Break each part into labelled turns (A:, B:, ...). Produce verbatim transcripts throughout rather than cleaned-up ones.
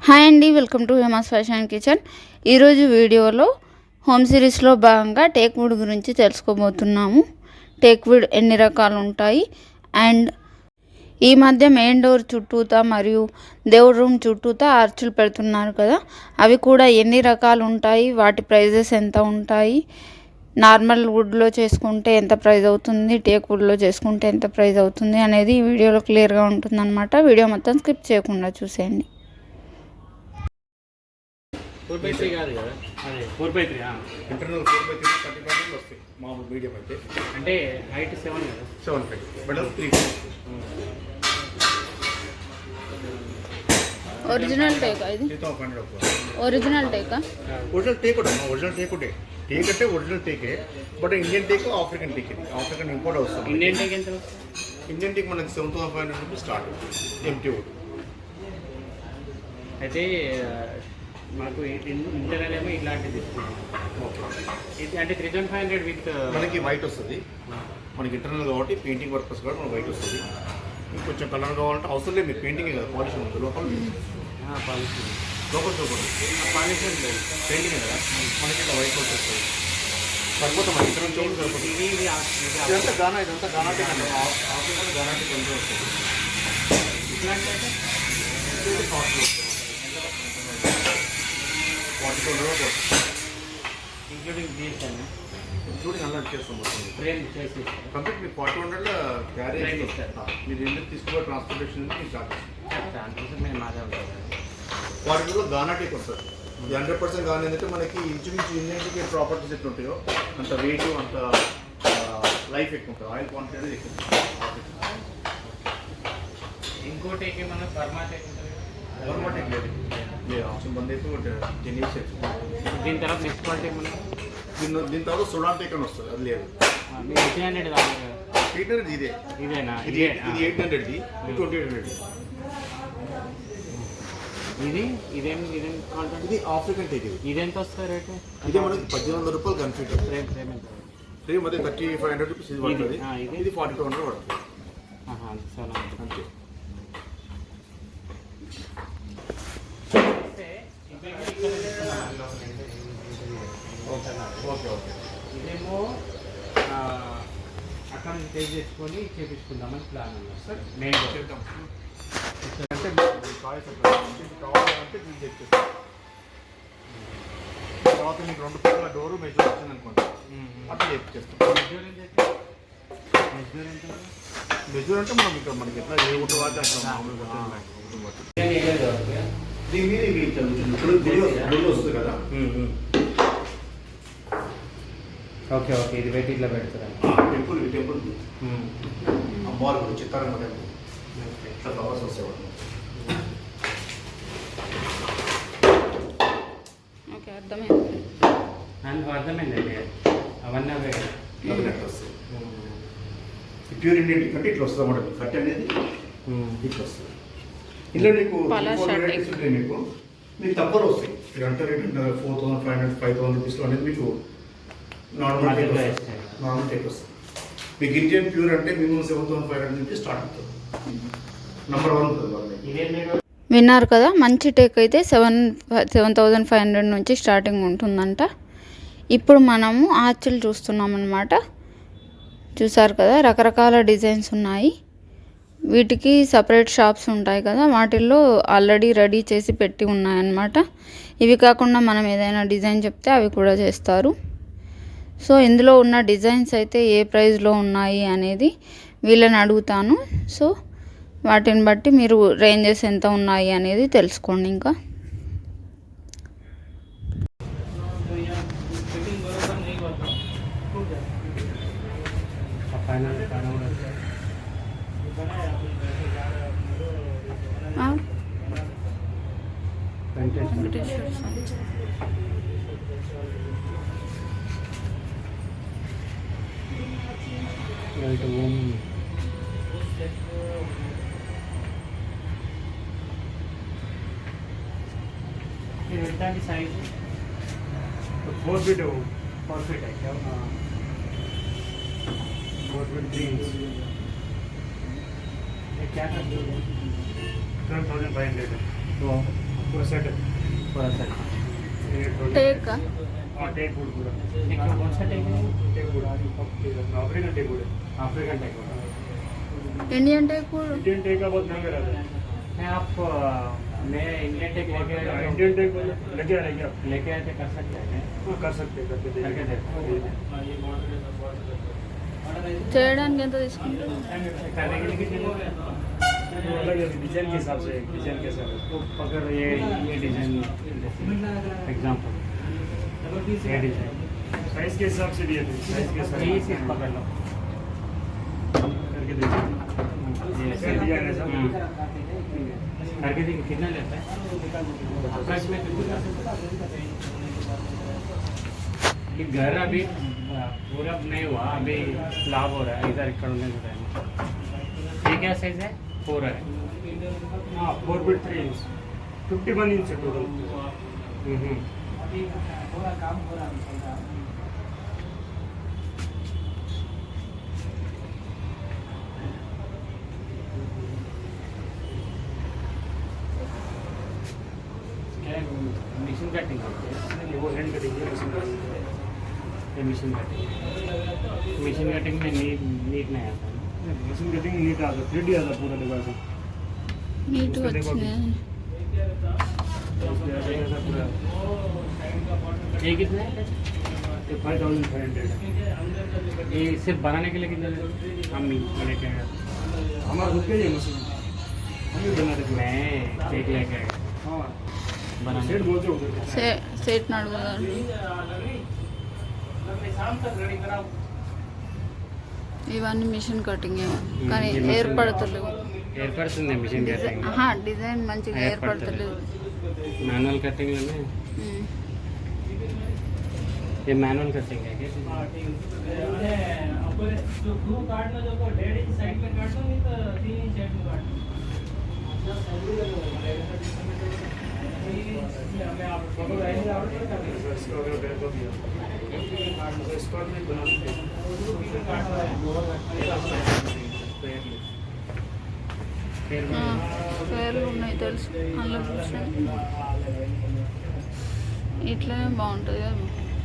A: Hi అండి, welcome to Hemas fashion kitchen. ఈరోజు వీడియోలో హోమ్ సిరీస్లో భాగంగా టేక్ వుడ్ గురించి తెలుసుకోబోతున్నాము. టేక్ వుడ్ ఎన్ని రకాలు ఉంటాయి అండ్ ఈ మధ్య మెయిన్ డోర్ చుట్టూతా మరియు దేవుడి రూమ్ చుట్టూతా ఆర్చులు పెడుతున్నారు కదా, అవి కూడా ఎన్ని రకాలు ఉంటాయి, వాటి ప్రైజెస్ ఎంత ఉంటాయి, నార్మల్ వుడ్లో చేసుకుంటే ఎంత ప్రైస్ అవుతుంది, టేక్ వుడ్లో చేసుకుంటే ఎంత ప్రైస్ అవుతుంది అనేది ఈ వీడియోలో క్లియర్గా ఉంటుందన్నమాట. వీడియో మొత్తం స్కిప్ చేయకుండా చూసేయండి.
B: ఫోర్ బై త్రీ కాదు కదా, అదే four by three
C: internal four by three thirty five వస్తాయి. మామూలు మీడియం అయితే
B: అంటే హైట్ సెవెన్ కదా,
C: seven five better three
A: original టేకా ఇది?
C: త్రీ థౌసండ్ హండ్రెడ్
A: ఒరిజినల్ టేకా?
C: ఒరిజినల్ టేక్ కూడా ఒరిజినల్ టేక్ ఉంటే టేక్ అంటే ఒరిజినల్ టేకే, but Indian teak African teak, ఇది ఆఫ్రికన్ ఇంపోర్ట్ వస్తుంది.
B: ఇండియన్ టేక్ ఎంత?
C: ఇండియన్ టేక్ మనకి seven thousand five hundred rupees start ఎంటీ వుడ్.
B: అయితే మాకు ఇంటర్నల్ ఏమో ఇలాంటిది ఇది, అంటే three thousand five hundred with
C: మనకి వైట్ వస్తుంది. మనకి ఇంటర్నల్ కాబట్టి పెయింటింగ్ వర్కర్స్ కూడా మనకి వైట్ వస్తుంది. ఇంకొంచెం కలర్ కావాలంటే అవసరం లేదు, మీరు పెయింటింగ్ కదా, పాలిష్ ఉంటుంది లోపల
B: పాలిష్
C: లోపల చూపండి
B: పాలిష్
C: పెయింటింగ్ కదా, మనకి ఇట్లా వైట్ వస్తుంది. సరిపోతాం మన ఇంటర్ నుంచి సరిపోతుంది.
B: ఇది ఇది
C: ఇదంతా గానా, ఇదంతా గానాటే అండి, ఆఫ్రికన్ గానాటే కొంచెం వస్తుంది.
B: ఇట్లాంటి అయితే
C: కాస్ట్ వస్తుంది forty two hundred
B: including these అండి,
C: ఇంక్లూడింగ్ అలా చేస్తాం మొత్తం
B: ఫ్రేమ్ చేసి
C: కంప్లీట్ మీకు ఫార్టీ హండ్రెడ్లో క్యారీ
B: Frame ఇస్తారు.
C: మీరు ఎందుకు తీసుకుపోయి ట్రాన్స్పోర్టేషన్ మీ చార్జెస్.
B: దానికోసం మేము మాదే ఉంటుంది.
C: ఫార్టీ టూలో గానా టేక్ వస్తుంది. ఇది హండ్రెడ్ పర్సెంట్ గానీ ఏంటంటే మనకి ఇంచుమించు ఇండియన్కి ప్రాపర్టీస్ ఎట్లా ఉంటాయో అంత వెయిట్ అంత లైఫ్ ఎక్కువ ఉంటుంది, ఆయిల్ క్వాంటిటీ అనేది ఎక్కువ ఉంటుంది.
B: ఇంకో టేక్ ఏమన్నా పర్మా టేక్ ఉంటుంది,
C: పర్మా టేక్ లేదు, లేదు ఆప్షన్ బంద్ అయితే టెన్ ఇయర్స్ అవుతుంది.
B: దీని తర్వాత నెక్స్ట్ క్వాలిటీ ఏమన్నా
C: దీని దీని తర్వాత సుడాన్ టేక్ అని వస్తుంది, అది లేదు.
B: మీరు ఎయిట్ హండ్రెడ్ కాదు
C: ఎయిట్ హండ్రెడ్ ఇదే,
B: ఇదేనా?
C: ఇది ఇది ఎయిట్ హండ్రెడ్ది, ఇది ట్వంటీ ఎయిట్ హండ్రెడ్.
B: ఇది ఇదేం ఇదేం కాంటాక్ట్,
C: ఇది ఆఫ్రికన్ టేక్. ఇది
B: ఇదెంత వస్తుంది రేటు?
C: ఇదే మనకి పద్దెనిమిది వందల రూపాయలు కన్ఫ్యూట్.
B: ఫ్రేమ్ ఫ్రేమ్ ఎంత?
C: సేమ్ అదే థర్టీ ఫైవ్ హండ్రెడ్ రూపీస్ ఇది పడుతుంది.
B: ఆ, ఇది?
C: ఇది ఫార్టీ టూ హండ్రెడ్ పడుతుంది
B: చాలా
C: అంతే. ఓకే ఓకే
B: ఇదేమో అక్కడ టేక్ చేసుకొని చేపించుకుందామని ప్లాన్ ఉన్నారు సార్. మెయిన్
C: చేద్దాం అంటే చాయిస్ ఇది కావాలంటే మీరు చెక్ చేస్తాం. తర్వాత మీకు రెండు పక్కల డోరు మెజర్ వచ్చింది అనుకోండి, అట్లా చెక్ చేస్తాం.
B: మెజూర్ ఎంత మెజూర్ ఎంత
C: మెజర్ అంటే మనం ఇక్కడ మనకి ఎట్లా ఏ ఒకటి వాటి అట్లా మామూలుగా దీని మీద ఇవి చదువుతుంది. ఇప్పుడు గుడి వస్తుంది కదా,
B: ఓకే ఓకే ఇది పెట్టి ఇట్లా పెడతారా?
C: టెంపుల్ టెంపుల్ అమ్మవారు గుడి చిత్తారంగ టెంపుల్ ఇట్లా ఫ్లవర్స్ వస్తాయి.
A: ఓకే, అర్థమైంది.
B: నాకు అర్థమైందండి, అవన్నీ అవే
C: అవి అట్లా వస్తాయి. ప్యూర్ ఇండియన్ అంటే ఇట్లా వస్తుంది అన్నమాట. కట్ అనేది ఇట్లా వస్తుంది. ఇందులో నీకు
A: పలాష్
C: వెరైటీస్ ఉంటాయి. మీకు మీకు తక్కువలో వస్తాయి. మీరు అంటే rate four thousand five hundred five thousand రూపీస్లో అనేది మీకు నార్మల్ టేక్ వస్తుంది. నార్మల్ టేక్ వస్తుంది. మీకు ఇండియన్ ప్యూర్ అంటే minimum seven thousand five hundred నుంచి స్టార్ట్ అవుతుంది. నెంబర్ వన్ ఉంటుంది వాళ్ళకి.
B: ఇదేం
A: విన్నారు కదా, మంచి టేక్ అయితే seven seven thousand five hundred నుంచి స్టార్టింగ్ ఉంటుందంట. ఇప్పుడు మనము ఆర్చులు చూస్తున్నాం అన్నమాట. చూసారు కదా, రకరకాల డిజైన్స్ ఉన్నాయి. వీటికి సపరేట్ షాప్స్ ఉంటాయి కదా, వాటిల్లో ఆల్రెడీ రెడీ చేసి పెట్టి ఉన్నాయన్నమాట. ఇవి కాకుండా మనం ఏదైనా డిజైన్ చెప్తే అవి కూడా చేస్తారు. సో ఇందులో ఉన్న డిజైన్స్ అయితే ఏ ప్రైస్లో ఉన్నాయి అనేది వీళ్ళని అడుగుతాను. సో వాటిని బట్టి మీరు రేంజెస్ ఎంత ఉన్నాయి అనేది తెలుసుకోండి. ఇంకా
B: ఎట్లాంటి size?
C: Four feet
B: four feet అయితే
C: ఫోర్ ఫీట్ త్రీ ఇంచ్
B: क्या कर
C: సెవెన్ థౌసండ్ ఫైవ్ హండ్రెడ్.
B: पूरा सेट है पूरा सेट
A: టేక్
B: हाँ टेक वुड पूरा एक कौन सा टेक है teak wood African teak wood African teak wood
A: Indian teak
B: Indian teak का बहुत महंगा रहता है मैं आप मैं इंडियन टेक लेके आया इंडियन टेक लेके आए क्या लेके आए थे कर सकते हैं हाँ कर सकते हैं करके करके देखो
A: చేయడానికి ఎంత తీసుకుంటారు
B: करने के लिए कितने अलग है डिजाइन के हिसाब से डिजाइन के हिसाब से अगर ये ये डिजाइन एग्जांपल ये डिजाइन साइज के हिसाब से दिए थे साइज के हिसाब से सिर्फ पकड़ लो करके देखो ये ऐसे डिजाइन है सब करके देखिए कितना लेता है अप्रॉक्स में ये घर अभी पूरा नहीं हुआ अभी लाभ हो रहा है इधर इकड़ में ये क्या साइज है फोर है हाँ four feet three inch fifty one inch है टोटल मिशन कटिंग वो हैंड कटिंग है मशीन कटिंग ये मिशन कटिंग मिशन कटिंग में नीट नीट नहीं आता मशीन कटिंग नीट आता थ्री डी आता पूरा डिवाइस
A: నీట్ వచ్చినాయి
B: पूरा ये कितना है ये फाइव थाउजेंड फाइव हंड्रेड ये सिर्फ बनाने के लिए कितना हम लेके आए हमारा खुद के लिए मशीन हम भी बनाते थे मैं केक लेके आया हाँ बनाने सेट बोलते हो
A: సెట్ నడుగుదాం ఇవన్నీ మిషన్ కటింగ్ కానీ ఏర్పడతలేవు
B: ఏర్పడుతుంది మిషన్ కటింగ్
A: ఆహా డిజైన్ మంచిగా ఏర్పడతలేదు
B: मैनुअल कटिंग में ये मैनुअल कटिंग है क्या जो ग्लू काटना जो को डेढ़ इंच साइड में काटो नहीं तो तीन इंच साइड में काटो हमें आप फोटो रहेंगे आप इसको अगर बैक हो गया इसको नहीं बना सकते
A: పేర్లు ఉన్నాయి తెలుసు అందులో చూసాను ఇట్లనే బాగుంటుంది కదా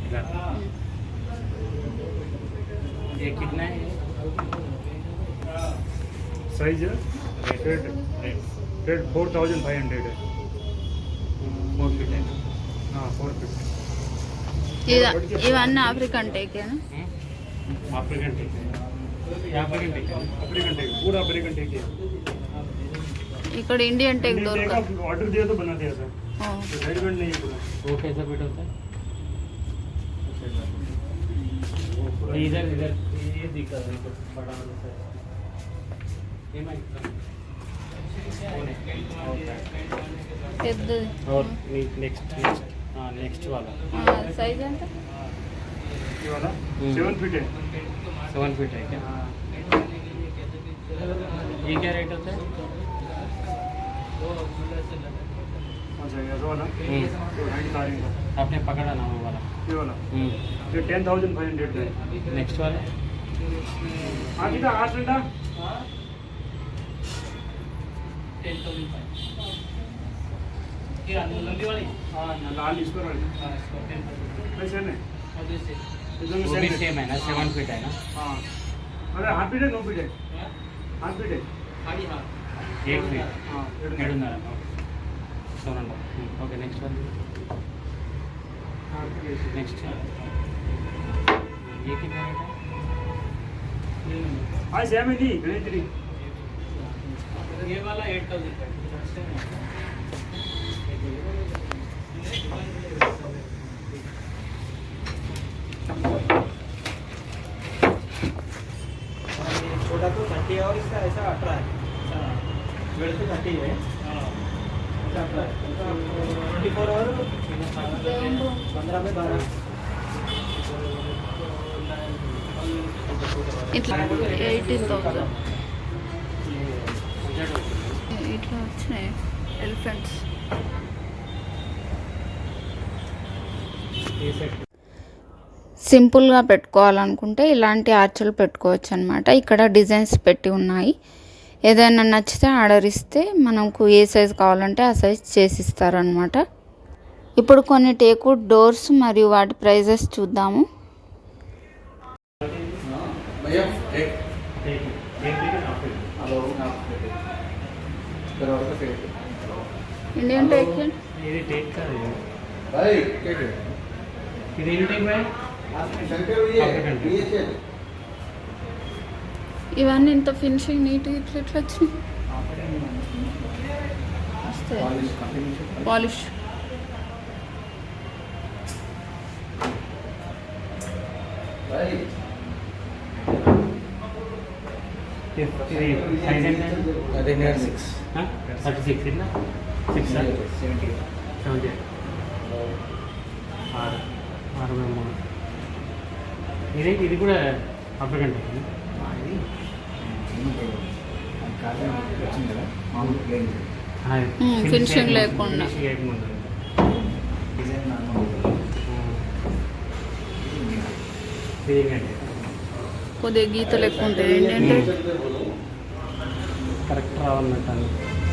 B: ये कितना है
D: size rate rate four thousand five hundred है
B: फोर फीट है
D: हाँ फोर फीट
A: ఇది ఇవన్నీ ఆఫ్రికన్ టేకేనా
B: अफ्रीकन टेक है अफ्रीकन टेक है
D: अफ्रीकन टेक पूरा अफ्रीकन टेक है
A: ఇక్కడ ఇండియన్ టేక్
D: इंडियन टेक
A: దొరకదు
D: का ऑर्डर दिया तो बना दिया सर
A: ఓ,
D: रेडीमेड नहीं है पूरा
B: वो कैसा फिट होता है इधर इधर ये दिक्कत है कुछ बड़ा वाला सा ये माइक
A: పెద్దది
B: और नेक्स्ट नेक्स्ट हाँ नेक्स्ट वाला
A: సైజ్ ఎంత
D: ये वाला
B: हम्म।
D: सेवन फीट है
B: सेवन फीट है क्या ये क्या रेट होता है
D: अच्छा ये वाला
B: हम्म।
D: तो हैंड कारिंग का
B: आपने पकड़ा ना वो वाला
D: ये वाला ये टेन थाउजेंड फाइव हंड्रेड है
B: नेक्स्ट वाला
D: हाँ ठीक है आठ घंटा हाँ लाल इसको वैसे नहीं एकदम
B: वो भी
D: सेम है
B: सेम है ना सेवन फीट है ना
D: हाँ अरे हाफ फीट है नो फीट है हाफ फीट है
B: एट फीट
D: हाँ
B: ఏడున్నర seven hundred okay next one next ये कितना रेट है
D: हाँ सेम है नहीं गणेश जी
B: ये वाला एट थाउजेंड
E: छोटा तो थर्टी है और इसका ऐसा अठारह है वेट तो थर्टी है ट्वेंटी फोर और पंद्रह में बारह
A: ఇట్లా ఎయిటీన్ థౌసండ్ ఇట్లా వచ్చినాయి ఎలిఫెంట్స్
B: ये सेट
A: సింపుల్గా పెట్టుకోవాలనుకుంటే ఇలాంటి ఆర్చలు పెట్టుకోవచ్చు అనమాట ఇక్కడ డిజైన్స్ పెట్టి ఉన్నాయి ఏదైనా నచ్చితే ఆర్డర్ ఇస్తే మనకు ఏ సైజ్ కావాలంటే ఆ సైజ్ చేసి ఇస్తారనమాట. ఇప్పుడు కొన్ని టేక్వుడ్ డోర్స్ మరియు వాటి ప్రైజెస్ చూద్దాము. ఇండియన్ టేక్
B: ఇది టేక్ కాదు ఇది ఏం టేక్ బాయ్
A: ఇవన్నీ ఇంత ఫినిషింగ్ నీట్గా ఇట్లా ఇట్లా వచ్చినాయి. పాలిష్
B: ఇది సైజ్ ఎంత
E: అదే సిక్స్
B: థర్టీ సిక్స్ ఇట్లా సిక్స్
E: సెవెంటీ
B: సెవెంటీ ఆరు అరవై మూడు ఇది ఇది కూడా ఆఫ్రికన్ టైప్
E: వచ్చింది కదా మామూలు ప్లేన్
A: ఫినిషింగ్ లేకుండా
B: లేకుండా
E: డిజైన్ నార్మల్
B: ఏంటంటే
A: కొద్దిగా గీతలు ఎక్కువ ఉంటాయి. ఏంటంటే
B: కరెక్ట్ రావాలన్నట్టు అని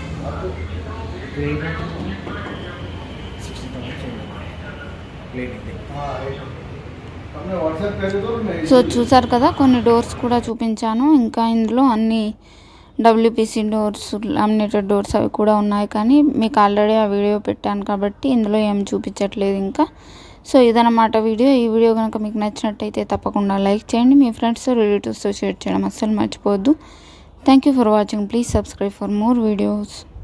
A: సో చూసారు కదా, కొన్ని డోర్స్ కూడా చూపించాను. ఇంకా ఇందులో అన్ని డబ్ల్యూపీసీ డోర్స్, లామినేటెడ్ డోర్స్ అవి కూడా ఉన్నాయి. కానీ మీకు ఆల్రెడీ ఆ వీడియో పెట్టాను కాబట్టి ఇందులో ఏం చూపించట్లేదు ఇంకా. సో ఇదన్నమాట వీడియో. ఈ వీడియో కనుక మీకు నచ్చినట్టయితే తప్పకుండా లైక్ చేయండి. మీ ఫ్రెండ్స్ రిలేటివ్స్తో షేర్ చేయడం అస్సలు మర్చిపోవద్దు. Thank you for watching. Please subscribe for more videos.